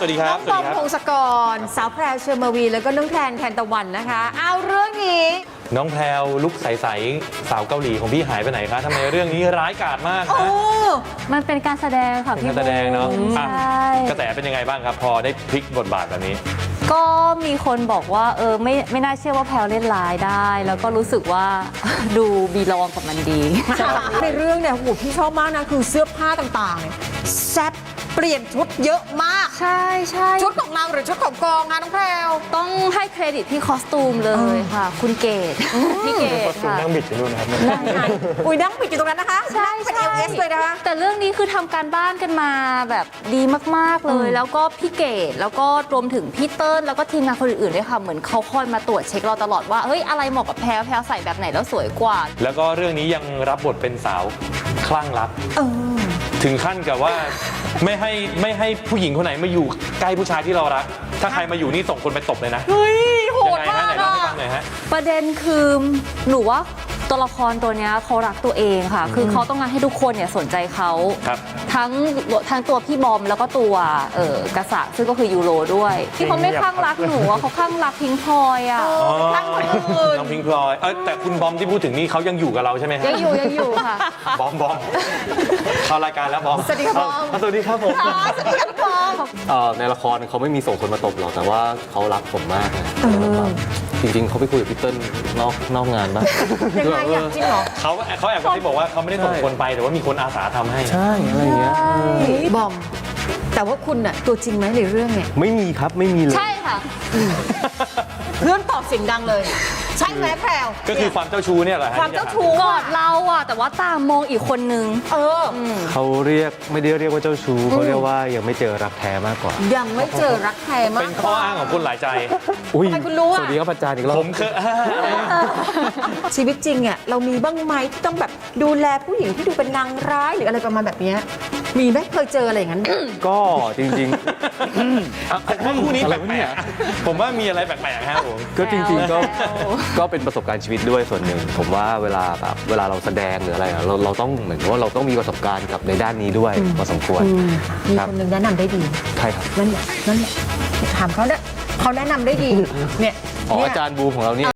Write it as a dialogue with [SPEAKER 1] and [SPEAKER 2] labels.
[SPEAKER 1] วัสดีครับ
[SPEAKER 2] น้องบอมพงศกรสาวแพรวเชอร์มาวีแล้วก็น้องแทนแทนตะวันนะคะเอาเรื่องนี้
[SPEAKER 1] น้องแพรวลุกใสๆสาวเกาหลีของพี่หายไปไหนคะทำไมเรื่องนี้ร้ายกาจมาก
[SPEAKER 2] โอ้
[SPEAKER 1] นะ
[SPEAKER 3] มันเป็นการแสดงค่ะ
[SPEAKER 1] เป็น
[SPEAKER 3] พี่
[SPEAKER 1] การแสดงเนาะ
[SPEAKER 3] ใช
[SPEAKER 1] อ่ะ
[SPEAKER 3] ่
[SPEAKER 1] กระแสเป็นยังไงบ้างครับพอได้พลิกบทบาทแบบนี้
[SPEAKER 3] ก็มีคนบอกว่าไม่น่าเชื่อว่าแพลวเล่นร้ายได้ แล้วก็รู้สึกว่า ดูบีลองกับมันดี
[SPEAKER 2] ในเรื่องเนี่ยโหพี่ชอบมากนะคือเสื้อผ้าต่างๆเนี่ยแซ่บเปลี่ยนชุดเยอะมาก
[SPEAKER 3] ใช่ใช่
[SPEAKER 2] ชุดของเราหรือชุดของกองคะน้องแพรว
[SPEAKER 3] ต้องให้เครดิตพี่คอสตูมเลยค่ะ คุณเกดพี่เกดค่ะ
[SPEAKER 1] นั่งบิดอยู่นู่นนะครับ
[SPEAKER 2] อุ้ยนั่งปิดอยู่ตรงนั้นนะคะ
[SPEAKER 3] ใช่
[SPEAKER 2] เป็น
[SPEAKER 3] ใช่
[SPEAKER 2] LS เลยนะคะ
[SPEAKER 3] แต่เรื่องนี้คือทำการบ้านกันมาแบบดีมากๆเลย แล้วก็พี่เกดแล้วก็รวมถึงพี่เติ้ลแล้วก็ทีมงานคนอื่นๆด้วยค่ะเหมือนเขาคอยมาตรวจเช็คเราตลอดว่าเฮ้ยอะไรเหมาะกับแพรวแพรวใส่แบบไหนแล้วสวยกว่า
[SPEAKER 1] แล้วก็เรื่องนี้ยังรับบทเป็นสาวคลั่งรัก
[SPEAKER 2] เออ
[SPEAKER 1] ถึงขั้นกับว่าไม่ให้ผู้หญิงคนไหนมาอยู่ใกล้ผู้ชายที่เรารัก ถ้าใครมาอยู่นี่ส่งคนไปตบเลยนะ
[SPEAKER 2] เฮ้ยโห
[SPEAKER 1] ยั
[SPEAKER 2] ด
[SPEAKER 1] ไง
[SPEAKER 2] มา
[SPEAKER 1] ฮะไหน
[SPEAKER 2] ก
[SPEAKER 1] เล่า
[SPEAKER 2] อะ
[SPEAKER 1] ให้ฟังหน่อยฮะ
[SPEAKER 3] ประเด็นคือหนูว่าตัวละครตัวเนี้ยเขารักตัวเองค่ะ คือเขาต้องการให้ทุกคนเนี่ยสนใจเขา
[SPEAKER 1] ครับ
[SPEAKER 3] ทั้งตัวพี่บอมแล้วก็ตัวกษัตริย์ซึ่งก็คือยูโรด้วยที่เขาไม่คลั่งรักหนูอะเขาคลั่งรักพิงพลอยอ่ะ
[SPEAKER 2] คลั่งคนอื่น
[SPEAKER 1] น้องพิงค์พลอยแต่คุณบอมที่พูดถึงนี่เขายังอยู่กับเราใช่ไหมฮะ
[SPEAKER 3] ยังอยู่ค่ะ
[SPEAKER 1] บอมเข้ารายการแล้วบอม
[SPEAKER 2] สวัสดีครับบอม
[SPEAKER 1] สวัสดีครับผม
[SPEAKER 2] สวัสดีครับพี่บอม
[SPEAKER 4] ในละครเขาไม่มีส่งคนมาตบหรอกแต่ว่าเขารักผมมากนะจริงๆเขาไปคุยกับพี่เติ้ลนอกงานบ้าง
[SPEAKER 2] ยังไงอยากจริงเหรอ
[SPEAKER 1] เขาแอบกระซิบบอกว่าเขาไม่ได้ส่งคนไปแต่ว่ามีคนอาสาทำให้
[SPEAKER 4] ใช่อะไรอย่างเงี้ย
[SPEAKER 2] บอม แต่ว่าคุณน่ะตัวจริงไหมในเรื่องเนี่ย
[SPEAKER 4] ไม่มีครับไม่มีเลย
[SPEAKER 3] ใช่ค่ะ
[SPEAKER 2] เพื่อนตอบเสียงดังเลย ใช่ไหมแพรว
[SPEAKER 1] ก็คือความเจ้าชู้เนี่ยแหละฮะ
[SPEAKER 2] ความเจ้าชู้
[SPEAKER 3] กอดเราอ่ะแต่ว่าตามมองอีกคนนึง
[SPEAKER 2] เออ
[SPEAKER 4] เขาไม่ได้เรียกว่าเจ้าชู้เขาเรียกว่ายังไม่เจอรักแท้มากกว่า
[SPEAKER 2] ยังไม่เจอรักแท้มาก
[SPEAKER 1] เป็นข้ออ้างของคนหลายใจ
[SPEAKER 4] อุ้ย
[SPEAKER 2] ทำไมคุณรู้อะ
[SPEAKER 4] สวัสดีครับอาจารย์อีกรอบ
[SPEAKER 1] ผมเคย
[SPEAKER 2] ชีวิตจริงอ่ะเรามีบ้างไหมที่ต้องแบบดูแลผู้หญิงที่ดูเป็นนางร้ายหรืออะไรประมาณแบบเนี้ยมีไหมเคยเจออะไรอย่างนั้น
[SPEAKER 4] ก็จริง
[SPEAKER 1] ผมว่าคู่นี้
[SPEAKER 4] อะไร
[SPEAKER 1] แป
[SPEAKER 4] วะ
[SPEAKER 1] ล
[SPEAKER 4] เนี่
[SPEAKER 1] ก
[SPEAKER 4] ย
[SPEAKER 1] ๆผมว่ามีอะไรแปลกๆครับผม
[SPEAKER 4] ๆ ก็จริง ๆ ก็
[SPEAKER 3] แซว
[SPEAKER 4] ก็เป็นประสบการณ์ชีวิตด้วยส่วนหนึ่ง ผมว่าเวลาเราแสดงหรืออะไรอะเราต้องเหมือนกับว่าเราต้องมีประสบการณ์กับในด้านนี้ด้วยพอสมควร
[SPEAKER 2] มี
[SPEAKER 4] ครับ
[SPEAKER 2] คนหนึ่งแนะนำได้ดี
[SPEAKER 4] ใช่ครับ
[SPEAKER 2] นั่นแหละถามเขาเนี่ยเขาแนะนำได้ดีเนี่ย
[SPEAKER 4] อ๋อ
[SPEAKER 2] เนี่ย
[SPEAKER 4] อาจารย์บูมของเราเนี่ย